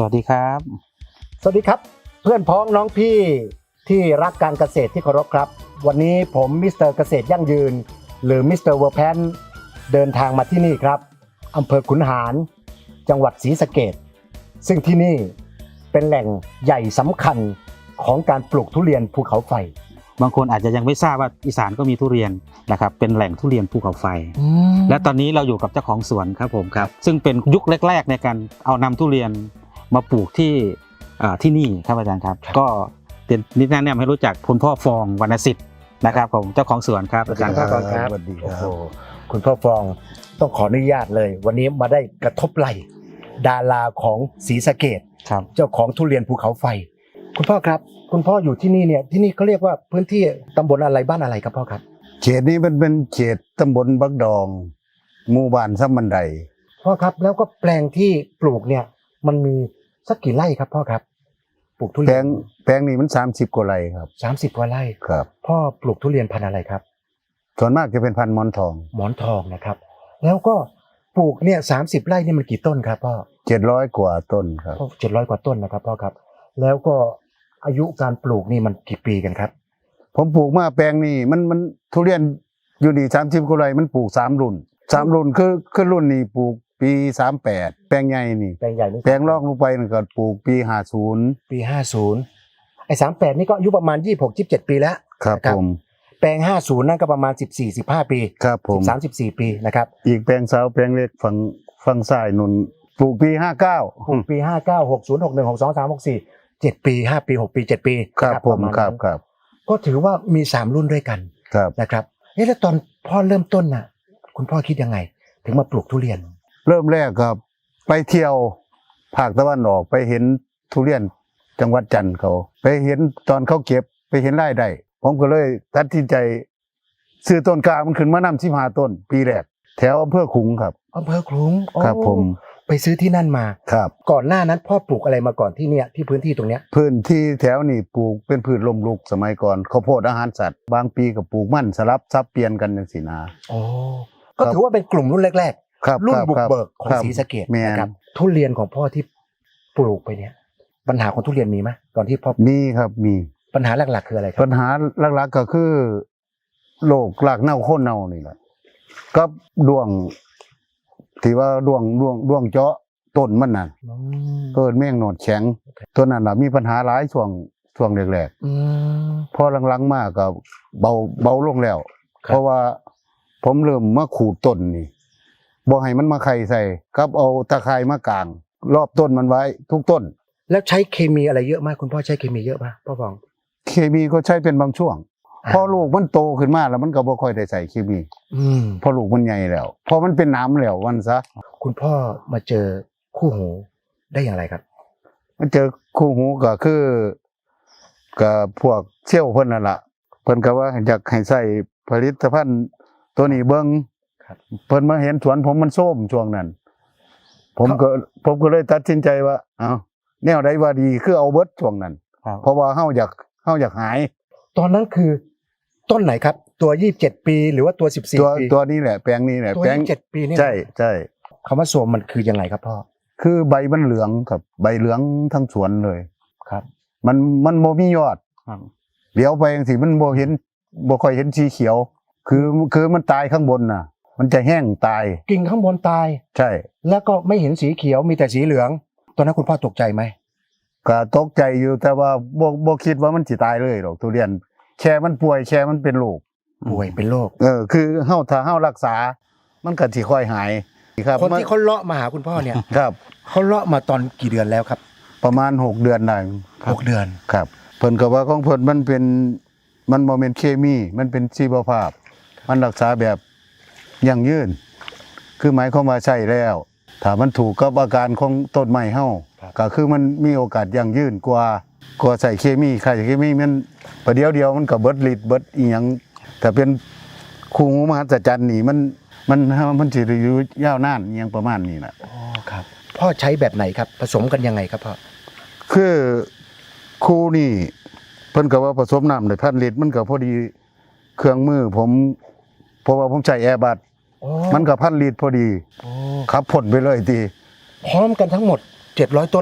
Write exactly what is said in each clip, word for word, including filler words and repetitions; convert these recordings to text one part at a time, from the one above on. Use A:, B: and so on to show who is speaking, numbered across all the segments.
A: วัสดีครับ
B: สวัสดีครับเพื่อนพ้องน้องพี่ที่รักการเกษตรที่เคารพครับวันนี้ผมมิสเตอร์เกษตรยั่งยืนหรือมิสเตอร์เวอร์แพนเดินทางมาที่นี่ครับอำเภอขุนหารจังหวัดศรีสะเกษซึ่งที่นี่เป็นแหล่งใหญ่สำคัญของการปลูกทุเรียนภูเขาไฟ
A: บางคนอาจจะยังไม่ทราบว่าอีสานก็มีทุเรียนนะครับเป็นแหล่งทุเรียนภูเขาไฟและตอนนี้เราอยู่กับเจ้าของสวนครับผมครับซึ่งเป็นยุคแรกๆในการเอานำทุเรียนมาปลูกที่ที่นี่ครับอาจารย์ครับก็นิดแนะนำให้รู้จักคุณพ่อฟองวรรณสิทธิ์นะครับผมเจ้าของสวนครับอาจารย์
B: ครับสวัสดีครับโอ้โหคุณพ่อฟองต้องขออนุญาตเลยวันนี้มาได้กระทบไหล่ดาราของศรีสะเกษครับเจ้าของทุเรียนภูเขาไฟคุณพ่อครับคุณพ่ออยู่ที่นี่เนี่ยที่นี่เขาเรียกว่าพื้นที่ตำบลอะไรบ้านอะไรครับพ่อครับ
C: เขตนี้มันเป็นเขตตำบลบักดองหมู่บ้านซ้ำบันได
B: พ่อครับแล้วก็แปลงที่ปลูกเนี่ยมันมีสักกี่ไร่ครับพ่อครับปลูกทุเรียนแปลง
C: แปลงนี้มันสามสิบกว่าไร่ครับ
B: สามสิบกว่าไร่
C: ครับ
B: พ่อปลูกทุเรียนพันธุ์อะไรครับ
C: ส่วนมากจะเป็นพันธุ์หมอนทอง
B: หมอนทองนะครับแล้วก็ปลูกเนี่ยสามสิบไร่นี่มันกี่ต้นครับพ่อ
C: เจ็ดร้อยกว่าต้นครับ
B: เจ็ดร้อยกว่าต้นนะครับพ่อครับแล้วก็อายุการปลูกนี่มันกี่ปีกันครับ
C: ผมปลูกมาแปลงนี้มันมันทุเรียนอยู่นี่สามสิบกว่าไร่มันปลูกสามรุ่นสามรุ่นคือคือรุ่นนี้ปลูกปีสามแปดแปลงใหญ่นี่
B: แปลงใหญ่
C: แปลงรองลงไปนี่ก็ปลูกปีห้าสิบ
B: ปีห้าสิบไอ้สามแปดนี่ก็อายุประมาณยี่สิบหก ยี่สิบเจ็ดปีแล้ว
C: ครับผม
B: แปลงห้าสิบนั่นก็ประมาณสิบสี่ สิบห้าปี
C: ครับผม
B: สามสิบสี่ปีนะครับ
C: อีกแปลงสาวแปลงเล็กฝั่งฝั่งซ้ายนุ่นปลูกปีห้าเก้า
B: ปลูกปีห้าเก้า หกสิบ หกสิบเอ็ด หกสิบสอง หกสิบสาม หกสิบสี่ เจ็ดปีห้าปีหกปีเจ็ดปี
C: ครับผมครับครับ
B: ก็ถือว่ามีสามรุ่นด้วยกันนะครับเอ๊ะแล้วตอนพ่อเริ่มต้นน่ะคุณพ่อคิดยังไงถึงมาปลูกทุเรียน
C: เริ่มแรกครับไปเที่ยวภาคตะวันออกไปเห็นทุเรียนจังหวัดจันทร์เขาไปเห็นตอนเขาเก็บไปเห็นรายได้ผมก็เลยตัดสินใจซื้อต้นกล้ามันขึ้นมานำสิบห้าต้นปีแรกแถวอำเภอขลุงครับ
B: อำเภอขลุง
C: ครับผม
B: ไปซื้อที่นั่นมา
C: ครับ
B: ก่อนหน้านั้นพ่อปลูกอะไรมาก่อนที่เนี่ยที่พื้นที่ตรงเนี้ย
C: พื้นที่แถวนี้ปลูกเป็นพืชลมลุกสมัยก่อนข้าวโพดอาหารสัตว์บางปีก็ปลูกมันสลับซับเปลี่ยนกันจังซี่นะ
B: อ๋อก็ถือว่าเป็นกลุ่มรุ่นแรกๆรุ่นบุกเบิกของศรีสะเกษนะครับทุเรียนของพ่อที่ปลูกไปเนี่ยปัญหาของทุเรียนมีไหมตอนที่พ่อ
C: มีครับมี
B: ปัญหาหลักๆคืออะไรครับ
C: ปัญหาหลักๆก็คือโรครากเน่าโค่นเน่านี่แหละกับดวงที่ว่าดวงดวงดวงเจาะต้นมันน่ะเกิดแมงหนอดแข็งตัวนั้นน่ะมีปัญหาหลายช่วงช่วงแรกๆพอหลังๆมาก็เบาเบาลงแล้วเพราะว่าผมเริ่มมาขูดต้นนี่บ่ให้มันมาไข่ใส่กับเอาตะไคร้มากางรอบต้นมันไว้ทุกต้น
B: แล้วใช้เคมีอะไรเยอะมากคุณพ่อใช้เคมีเยอะป่ะพ่อฟอง
C: เคมีก็ใช้เป็นบางช่วงพอลูกมันโตขึ้นมาแล้วมันก็บ่ค่อยได้ใส่เคมี
B: อืม
C: พอลูกมันใหญ่แล้วพอมันเป็นน้ำแล้ววันซะ
B: คุณพ่อมาเจอคู่หูได้อย่างไรครับ
C: มันเจอคู่หูก็คือกับพวกเชี่ยวเพิ่นนั่นล่ะเพิ่นก็ว่าอยากให้ใส่ผลิตภัณฑ์ตัวนี้เบิ่งเพิ่นมาเห็นสวนผมมันส้มช่วงนั้นผมก็ผมก็เลยตัดสินใจว่าเอ้าแนวใดว่าดีคือเอาเบิดช่วงนั้นเพราะว่าเฮาอยากเฮาอยากหาย
B: ตอนนั้นคือต้นไหนครับตัวยี่สิบเจ็ดปีหรือว่าตัวสิบสี่
C: ตัว
B: ปี
C: ตัวนี้แหละแปลงนี้แหละ
B: แปลงยี่สิบเจ็ดปีนี่
C: ใช่ใช่
B: คำว่าโสมมันคือยังไงครับพ่อ
C: คือใบมันเหลืองครับใบเหลืองทั้งสวนเลย
B: ครับ
C: มันมันโมมียอดเดี๋ยวไปจังซี่มันบ่เห็นบ่ค่อยเห็นสีเขียวคือคือมันตายข้างบนน่ะมันจะแห้งตาย
B: กิ่งข้างบนตาย
C: ใช่
B: แล้วก็ไม่เห็นสีเขียวมีแต่สีเหลืองตอนนั้นคุณพ่อตกใจไหม
C: ก็ตกใจอยู่แต่ว่าบ่บ่คิดว่ามันสิตายเลยหรอกทุเรียนแค่มันป่วยแค่มันเป็นโรค
B: ป่วยเป็นโรค
C: เออคือเฮาถ้าเฮารักษามันก็สิค่อยหาย
B: ครับคนที่เขาเลาะมาหาคุณพ่อเนี่ย
C: ครับ
B: เขาเลาะมาตอนกี่เดือนแล้วครับ
C: ประมาณหกเดือนได้
B: หกเดือน
C: ครับเพิ่นก็ว่าของเพิ่นมันเป็นมันบ่แม่นเคมีมันเป็นชีวภาพมันรักษาแบบยั่งยืนคือหมายความว่าใช้แล้วถ้ามันถูกกับอาการของต้นไม้เฮาก็คือมันมีโอกาสยั่งยืนกว่ากว่าใส่เคมีใส่เคมีมันประเดี๋ยวเดียวมันก็เบิดฤทธิ์เบิดอีหยังแต่เป็นคู่หูมหัศจรรย์นี่มันมันมันสิอยู่ยาวนานอีหยังประมาณนี้น่ะ
B: อ๋อครับพ่อใช้แบบไหนครับผสมกันยังไงครับพ่อ
C: คือคู่นี่เพิ่นก็ว่าผสมน้ำได้พันลิตรมันก็พอดีเครื่องมือผมเพราะว่าผมใช้แอร์บัดมันก็พันลิตรพอดีขับพ่นไปเลยที
B: พร้อมกันทั้งหมดเจ็ดร้อยต้นเลย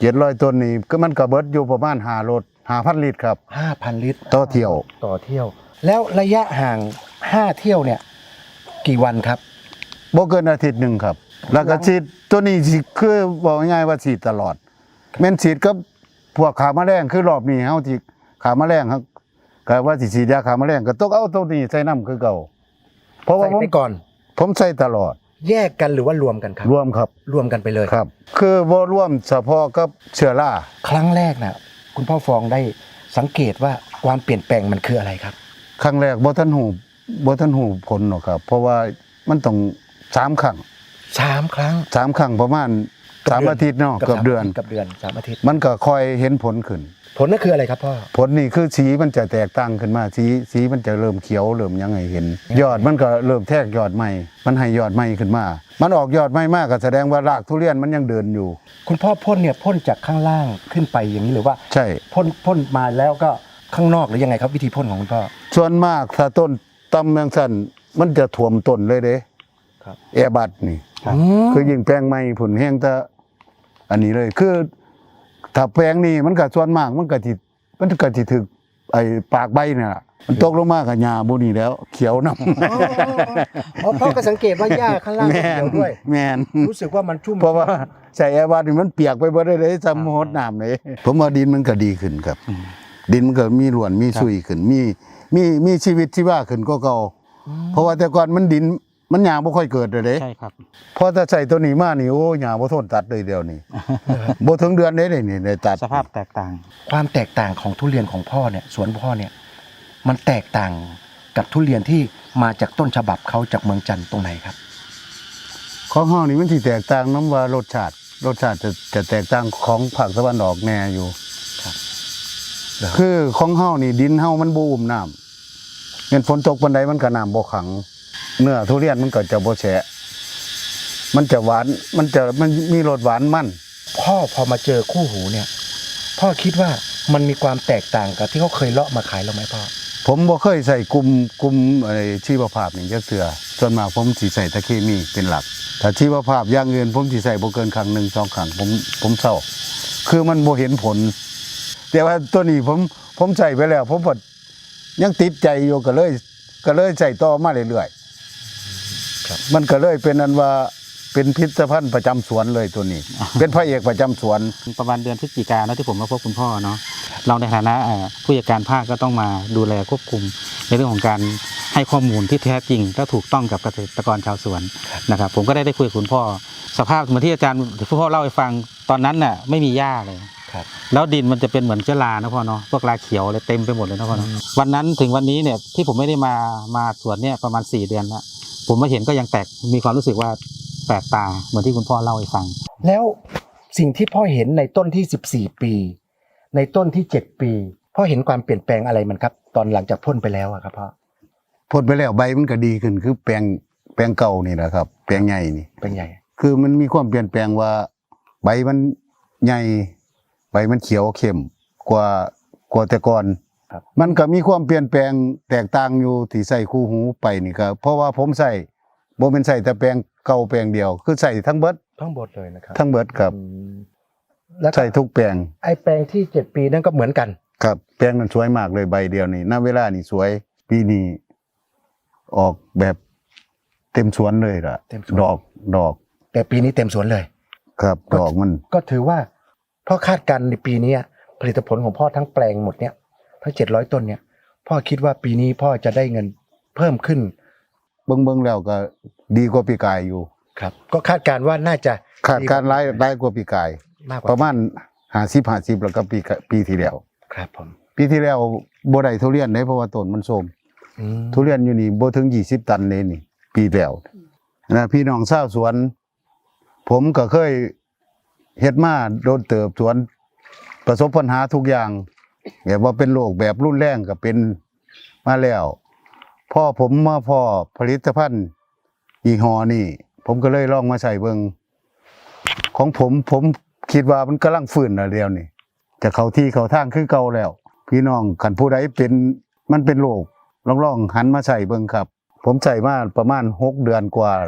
C: เจ็ดร้อยต้นนี่ก็มันก็เบิดอยู่ประมาณห้ารถห้าพันลิตรครับ
B: ห้าพันลิตร
C: ต่อเที่ยว
B: ต่อเที่ยว แล้วระยะห่างห้าเที่ยวเนี่ยกี่วันครับ
C: บ่เกินอาทิตย์หนึงครับ แล้วก็ฉีดตัวนี้สิคือบอกง่ายๆว่าฉีดตลอดแม่นฉีดกับพวกขาแมลงคือรอบนี้เฮาที่ขาแมลงครับก็ว่าสิฉีดยาขาแมลงก็ต้องเอาตัวนี้ใส่น้ำคือเก่าเพราะว่า
B: ใส่
C: ผม
B: ไปก่อน
C: ผมใส่ตลอด
B: แยกกันหรือว่ารวมกันครับ
C: รวมครับ
B: รวมกันไปเลย
C: ครับ คือบ่รวมเฉพาะกับเชื้อรา
B: ครั้งแรกนะคุณพ่อฟองได้สังเกตว่าความเปลี่ยนแปลงมันคืออะไรครับ
C: ครั้งแรกบ่ทันหูบ่ทันหูผลหรอกครับ เพราะว่ามันต้องสามครั้ง
B: สามครั้ง
C: สามครั้งประมาณสามอาทิตย์เนาะเกือบเดือน
B: กับเดือนสามอาทิตย์
C: มันก็ค่อยเห็นผลขึ้น
B: ผลนั่นคืออะไรครับพ่อ
C: ผลนี่คือสีมันจะแตกต่างขึ้นมาสีสีมันจะเริ่มเขียวเริ่มยังไงเห็น ยอดมันก็เริ่มแทกยอดใหม่ มันให้ยอดใหม่ขึ้นมา มันออกยอดใหม่มากก็แสดงว่ารากทุเรียนมันยังเดินอยู่
B: คุณพ่อพ่นเนี่ยพ่นจากข้างล่างขึ้นไปอย่างนี้หรือว่า
C: ใช่
B: พ่นพ่นมาแล้วก็ข้างนอกหรือยังไงครับวิธีพ่นของคุณพ่อ
C: ส่วนมากถ้าต้นตำแมงสันมันจะถ่วมต้นเลยเด้
B: ครับ
C: แอร์บัดนี่
B: อืม
C: คือยิ่งแปลงใหม่ผลแห้งแต่อันนี้เลยคือถ้าแปลงนี้มันก็ส่วนมากมันก็สิมันก็สิถึกไอ้ปากใบเนี่ยล่ะมันตกลงมากับหญ้าบ่นี่แล้ว เขียวนำ
B: อ๋ออ๋อพ่อก็สังเกตว่าหญ้าข้างล่างก็
C: แม่
B: เขียวด้วย
C: แม่น
B: รู้สึกว่ามันชุ่ม
C: เพราะว่าใส่แอร์บัดนี่มันเปียกไปเบ่ได้เลยซ้ำหดน้ำเลย ผมว่าดินมันก็ดีขึ้นครับ ดินมันก็มีร่วนมีซุยขึ้น มีมีมีชีวิตชีวาขึ้นกว่าเก่าเพราะว่าแต่ก่อนมันดินมันหญ้าบ่ค่อยเกิดเลยเด้
A: ใช่ครับ
C: พอถ้าใส่ตัวนี้มานี่โอ้หญ้าบ่ทนตัดเลยเดียวนี่ บ่ถึงเดือนได้เลยนี่ได้ตัด
A: สภาพแตกต่าง
B: ความแตกต่างของทุเรียนของพ่อเนี่ยสวนพ่อเนี่ยมันแตกต่างกับทุเรียนที่มาจากต้นฉบับเขาจากเมืองจันทร์ตรงไหนครับ
C: ของเฮานี่มันสิแตกต่างน้ำว่ารสชาติรสชาติจะจะแตกต่างของภาคตะวันออกแน่อยู่
B: ครับ
C: คือของเฮานี่ดินเฮามันบ่อุ้มน้ำเงินฝนตกปานใดมันก็น้ำบ่ขัง เนื้อทุเรียนมันก็จะบ่แฉะมันจะหวานมันจะมันมีรสหวานมัน
B: พ่อพอมาเจอคู่หูเนี่ย พ่อคิดว่ามันมีความแตกต่างกับที่เขาเคยเลาะมาขายเราไหมพ่อ
C: ผมบ่เคยใส่กลุ่มกลุ่มอะไรชีวภาพนี่จักเทื่อส่วนมากผมสิใส่ตะเคมีเป็นหลักถ้าชีวภาพอย่างอื่นผมสิใส่บ่เกินครั้งหนึ่งสองครั้งผมผมเศร้าคือมันบ่เห็นผล แต่ว่าตัวนี้ผมผมใส่ไปแล้ว ผมก็ยังติดใจอยู่ก็เลย ก็เลยใส่ต่อมาเรื่อยๆ
B: ครับ
C: มันก็เลยเป็นอันว่าเป็นพิพิธภัณฑ์ประจำสวนเลยตัวนี้ เป็นพระเอกประจำสวน
A: ประมาณเดือนพฤศจิกายนนะที่ผมมาพบคุณพ่อเนาะเราในฐานะเอ่อผู้จัดการภาคก็ต้องมาดูแลควบคุมในเรื่องของการให้ข้อมูลที่แท้จริงและถูกต้องกับเกษตรกรชาวสวนนะครับผมก็ได้ได้คุยกับคุณพ่อ สภาพเหมือนที่อาจารย์คุณพ่อเล่าให้ฟังตอนนั้นน่ะไม่มีหญ้าเลย
B: ครับ
A: แล้วดินมันจะเป็นเหมือนเชื้อรานะพ่อเนาะพวกราเขียวเลยเต็มไปหมดเลยนะพ่อเนาะวันนั้นถึงวันนี้เนี่ยที่ผมไม่ได้มามาสวนเนี่ยประมาณสี่เดือนแล้วผมมาเห็นก็ยังแตกมีความรู้สึกว่าแปลกตาเหมือนที่คุณพ่อเล่าให้ฟัง
B: แล้วสิ่งที่พ่อเห็นในต้นที่สิบสี่ปี ในต้นที่เจ็ดปีพ่อเห็นความเปลี่ยนแปลงอะไรมันครับ ตอนหลังจากพ่นไปแล้วอะครับพ่อ
C: พ่นไปแล้วใบมันก็ดีขึ้นคือแปลงแปลงเก่านี่แหละครับ แปลงใหญ่นี่
B: เป็นไง
C: คือมันมีความเปลี่ยนแปลงว่า ใบมันใหญ่ใบมันเขียวเข้มกว่ากว่าแต่ก่อน
B: ครับ
C: มันก็มีความเปลี่ยนแปลงแตกต่างอยู่ที่ใส่คู่หูไปนี่ก็เพราะว่าผมใส่บ่เป็นใส่แต่แปลงเก่าแปลงเดียว คือใส่ทั้งเบิด
B: ทั้งหมดเลยนะครับ
C: ทั้งเบิดครับ
B: อืมแล้วก็
C: ใส่ทุกแปลง
B: ไอ้แปลงที่เจ็ดปีนั่นก็เหมือนกัน
C: ครับแปลงนั้นสวยมากเลยใบเดียวนี่ณเวลานี่สวยปีนี้ออกแบบเต็มสวนเลยล่ะ
B: เต็มสวน
C: ดอกดอก
B: แต่ปีนี้เต็มสวนเลย
C: ครับ
B: ก็
C: ดอกมัน
B: ก็ถือว่าพ่อคาดการณ์ในปีนี้ผลิตผลของพ่อทั้งแปลงหมดเนี่ยทั้งเจ็ดร้อยต้นเนี่ยพ่อคิดว่าปีนี้พ่อจะได้เงินเพิ่มขึ้น
C: เบิ่งเบิ่งแล้วก็ดีกว่าปีกายอยู่
B: ครับ ก็คาดการณ์ว่าน่าจะ
C: ขาดการรายรายกว่าปีกาย
B: มากก
C: ป
B: ว่า
C: ระมาณห้าสิบห้าสิบแล้วก็ปีกะปีที่แล้ว
B: ครับผม
C: ปีที่แล้วบ่ได้ทุเรียนได้เพราะว่าต้นมันโทรม
B: อืม
C: ทุเรียนอยู่นี่บ่ถึงยี่สิบตันเลยนี่ ปีแล้วนะพี่น้องชาวสวน ผมก็เคยเฮ็ดมาโดนเติบสวน ประสบปัญหาทุกอย่างแบบว่าเป็นโรคแบบรุนแรงก็เป็นมาแล้วพอผมมาพอผลิตภัณฑ์ยี่ห้อนี่ ผมก็เลยลองมาใส่เบิ่งของผมผมคิดว่ามันกำลังฟื้นแล้วเดียวนี่จะเข้าที่เข้าทางคือเก่าแล้ว พี่น้องคันผู้ใดเป็นมันเป็นโรคลองๆหันมาใส่เบิ่งครับ ผมใส่มาประมาณหกเดือนกว่าละ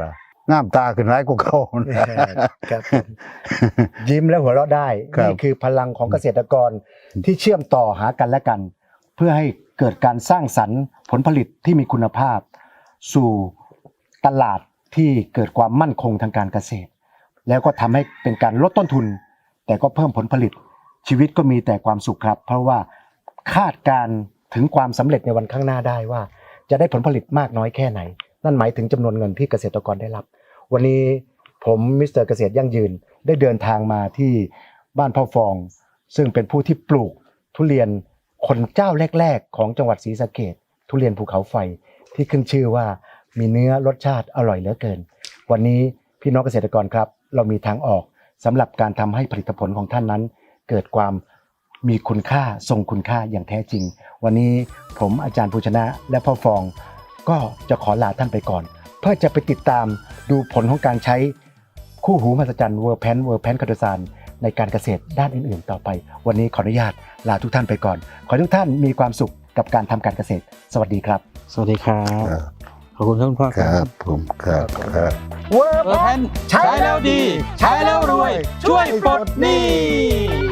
C: งามตาขึ้นร้ายกว่าเก่า
B: ครับผมยิ้มและหัวเราะได้
C: ครับ
B: นี่คือพลังของเกษตรกรที่เชื่อมต่อหากันและกัน เพื่อให้เกิดการสร้างสรรค์ผลผลิตที่มีคุณภาพ สู่ตลาดที่เกิดความมั่นคงทางการเกษตร แล้วก็ทำให้เป็นการลดต้นทุน แต่ก็เพิ่มผลผลิตชีวิตก็มีแต่ความสุขครับ เพราะว่าคาดการณ์ถึงความสำเร็จในวันข้างหน้าได้ว่า จะได้ผลผลิตมากน้อยแค่ไหน นั่นหมายถึงจำนวนเงินที่เกษตรกรได้รับ วันนี้ผมมิสเตอร์เกษตรยั่งยืนได้เดินทางมาที่บ้านพ่อฟอง ซึ่งเป็นผู้ที่ปลูกทุเรียนคนเจ้าแรกๆของจังหวัดศรีสะเกษทุเรียนภูเขาไฟที่ขึ้นชื่อว่ามีเนื้อรสชาติอร่อยเหลือเกิน วันนี้พี่น้องเกษตรกรครับเรามีทางออกสำหรับการทำให้ผลิตผลของท่านนั้น เกิดความมีคุณค่าทรงคุณค่าอย่างแท้จริง วันนี้ผมอาจารย์ภูชนะและพ่อฟอง ก็จะขอลาท่านไปก่อน เพื่อจะไปติดตามดูผลของการใช้คู่หูมหัศจรรย์เวอร์แพนเวอร์แพนคาโดซานในการเกษตรด้านอื่นๆต่อไป วันนี้ขออนุญาตลาทุกท่านไปก่อน ขอให้ทุกท่านมีความสุขกับการทำการเกษตร สวัสดีครับ
A: สวัสดีครับ
C: ครับ
A: ขอบคุณครับคุณพ่อ
C: ค
A: ค
C: รั
A: รั
C: บบ ผมครับครับ
B: เวอร์
A: เออ
B: แพ
A: แพ
B: น
A: น
B: ใช้แล้วดี
A: ใช้แล้วรวย ช่วยปลดหนี้